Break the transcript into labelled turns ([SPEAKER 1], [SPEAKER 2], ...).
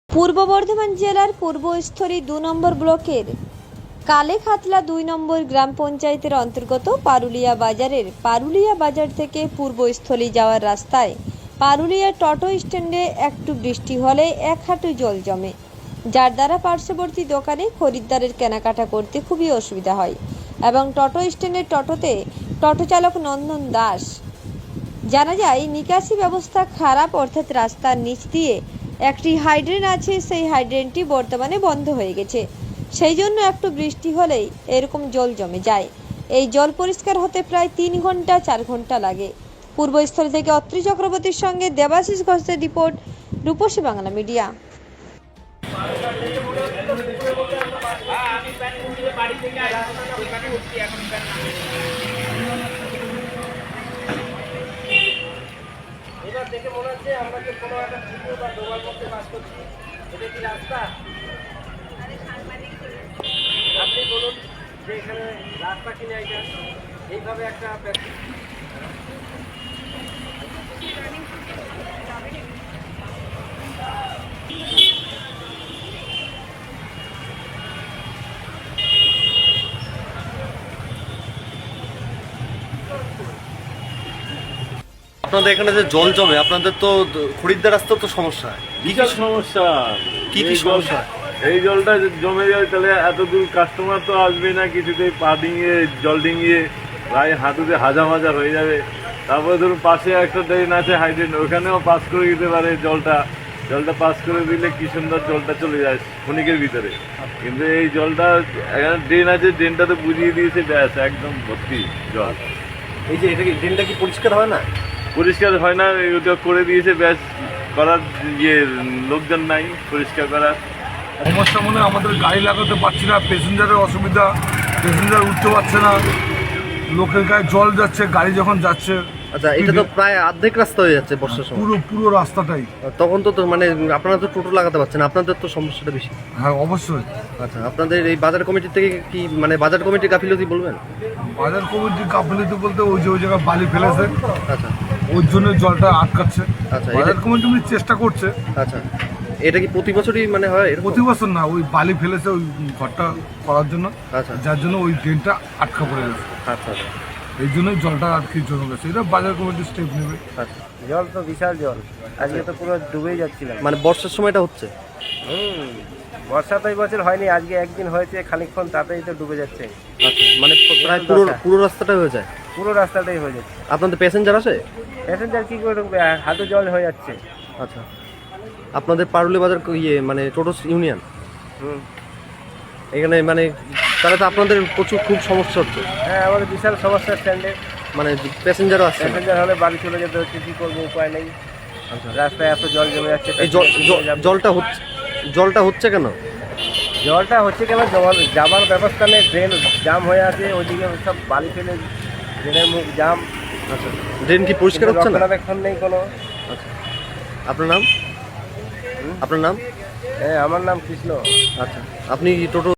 [SPEAKER 1] পূর্ব বর্ধমান জেলার পূর্বস্থলী ২ নম্বর ব্লকের কালেখাতলা ২ নম্বর গ্রাম পঞ্চায়েতের অন্তর্গত পারুলিয়া বাজারের পারুলিয়া বাজার থেকে পূর্বস্থলী যাওয়ার রাস্তায় পারুলিয়া টোটো স্ট্যান্ডে একটু বৃষ্টি হলে এক হাঁটু জল জমে, যার দ্বারা পার্শ্ববর্তী দোকানে খরিদ্দারের কেনাকাটা করতে খুবই অসুবিধা হয় এবং টোটো স্ট্যান্ডের টোটোতে টোটো চালক নন্দন দাস জানা যায় নিকাশি ব্যবস্থা খারাপ, অর্থাৎ রাস্তার নিচ দিয়ে একটি হাইড্রেন আছে, সেই হাইড্রেনটি বর্তমানে বন্ধ হয়ে গেছে। সেই জন্য একটু বৃষ্টি হলেই এরকম জল জমে যায়। এই জল পরিষ্কার হতে প্রায় 3 ঘন্টা 4 ঘন্টা লাগে। পূর্বস্থলী থেকে অত্রি চক্রবর্তীর সঙ্গে দেবাশিস ঘোষের রিপোর্ট, রূপসী বাংলা মিডিয়া।
[SPEAKER 2] এবার দেখে মনে হচ্ছে আমরা যে কোনো একটা ছিদ্র বা ডোবার মধ্যে বাস করছি। এটা কি রাস্তা? আপনি বলুন যে এখানে রাস্তা কিনে এটা এইভাবে একটা
[SPEAKER 3] আপনাদের এখানে যে জল জমে, আপনাদের তো খরিদ্দার রাস্তার তো সমস্যা।
[SPEAKER 4] বিশাল সমস্যা।
[SPEAKER 3] কি
[SPEAKER 4] এই
[SPEAKER 3] সমস্যা?
[SPEAKER 4] এই জলটা জমে যায় তাহলে এত দূর কাস্টমার তো আসবে না, কিছুতেই পা ডিঙিয়ে জল ডিঙিয়ে প্রায় হাঁটুতে হাজা মাজা হয়ে যাবে। তারপরে ধরুন পাশে একটা ড্রেন আছে হাইড্রেন, ওখানেও পাস করে দিতে পারে জলটা পাস করে দিলে কি সুন্দর জলটা চলে যায় ক্ষণিকের ভিতরে। কিন্তু এই জলটা এখানে ড্রেন আছে, ড্রেনটা তো বুঝিয়ে দিয়েছে, ব্যাস একদম ভর্তি জল।
[SPEAKER 3] এই যে এটা কি ড্রেনটা কি পরিষ্কার হয় না?
[SPEAKER 4] পরিষ্কার হয় না, ওটা করে দিয়েছে, ব্যাস করার লোকজন নাই পরিষ্কার করার।
[SPEAKER 5] সমস্যা মনে হয় আমাদের গাড়ি লাগাতে পারছি না, প্যাসেঞ্জারের অসুবিধা, প্যাসেঞ্জার উঠতে পারছে না, লোকের গায়ে জল যাচ্ছে গাড়ি যখন যাচ্ছে।
[SPEAKER 3] আচ্ছা, এটা তো প্রায় অর্ধেক রাস্তা হয়ে যাচ্ছে বর্ষার সময়।
[SPEAKER 5] পুরো রাস্তাটাই।
[SPEAKER 3] তখন তো মানে আপনারা তো টোটো লাগাতে পারছেন, আপনাদের তো সমস্যাটা বেশি।
[SPEAKER 5] হ্যাঁ অবশ্যই।
[SPEAKER 3] আচ্ছা, আপনাদের এই বাজার কমিটি থেকে কি মানে বাজার কমিটির গাফিলতি বলবেন?
[SPEAKER 5] বাজার কমিটির গাফিলতি বলতে ওই জায়গায় বালি ফেলেছে,
[SPEAKER 3] আচ্ছা,
[SPEAKER 5] ওর জন্য জলটা আটকাচ্ছে।
[SPEAKER 3] আচ্ছা,
[SPEAKER 5] বাজার কমিটি চেষ্টা করছে।
[SPEAKER 3] আচ্ছা, এটা কি প্রতি বছরই মানে হয় এরকম?
[SPEAKER 5] প্রতি বছর না, ওই বালি ফেলেছে ওই ঘরটা করার জন্য,
[SPEAKER 3] আচ্ছা,
[SPEAKER 5] যার জন্য ওই ড্রেনটা আটকা পড়ে গেছে।
[SPEAKER 3] আচ্ছা, আচ্ছা,
[SPEAKER 5] এই জন্যই জলটা আর কি জমে গেছে। এটা বাজার কমিটি স্টেপ নেবে।
[SPEAKER 3] আচ্ছা।
[SPEAKER 2] জল তো বিশাল জল, আজকে তো পুরো ডুবেই যাচ্ছিলাম।
[SPEAKER 3] মানে বর্ষার সময়টা হচ্ছে।
[SPEAKER 2] বর্ষা তো এই বছর হয়নি, আজকে একদিন হয়েছে খানিকক্ষণ, তাতেই তো ডুবে যাচ্ছে।
[SPEAKER 3] আচ্ছা, মানে প্রায় পুরো রাস্তাটা হয়ে যায়।
[SPEAKER 2] পুরো রাস্তাটাই হয়ে যাচ্ছে।
[SPEAKER 3] আপনাদের প্যাসেঞ্জার আসে?
[SPEAKER 2] প্যাসেঞ্জার কি করে ঢুকবে? হাঁটু জল হয়ে যাচ্ছে।
[SPEAKER 3] আচ্ছা, আপনাদের পারুলি বাজার মানে টোটো ইউনিয়ন এখানে মানে তাহলে তো আপনাদের প্রচুর খুব সমস্যা হচ্ছে।
[SPEAKER 2] হ্যাঁ, আমাদের বিশাল সমস্যা স্ট্যান্ডে।
[SPEAKER 3] মানে প্যাসেঞ্জারও আসছে না।
[SPEAKER 2] প্যাসেঞ্জার হলে বাড়ি চলে যেতে হচ্ছে, কি করবো, উপায় নেই।
[SPEAKER 3] আচ্ছা,
[SPEAKER 2] রাস্তায় এত জল জমে যাচ্ছে।
[SPEAKER 3] এই জলটা হচ্ছে কেন?
[SPEAKER 2] জলটা হচ্ছে কেন? যাবার ব্যবস্থা নেই, ড্রেন জাম হয়ে আছে, ওইদিকে সব বালি ফেলে ড্রেনের মুখ জাম।
[SPEAKER 3] আচ্ছা, ড্রেন কি পরিষ্কার হচ্ছে না?
[SPEAKER 2] রক্ষণাবেক্ষণ নেই কোনো।
[SPEAKER 3] আচ্ছা, আপনার নাম? আপনার নাম?
[SPEAKER 2] হ্যাঁ, আমার নাম কৃষ্ণ।
[SPEAKER 3] আচ্ছা, আপনি টোটো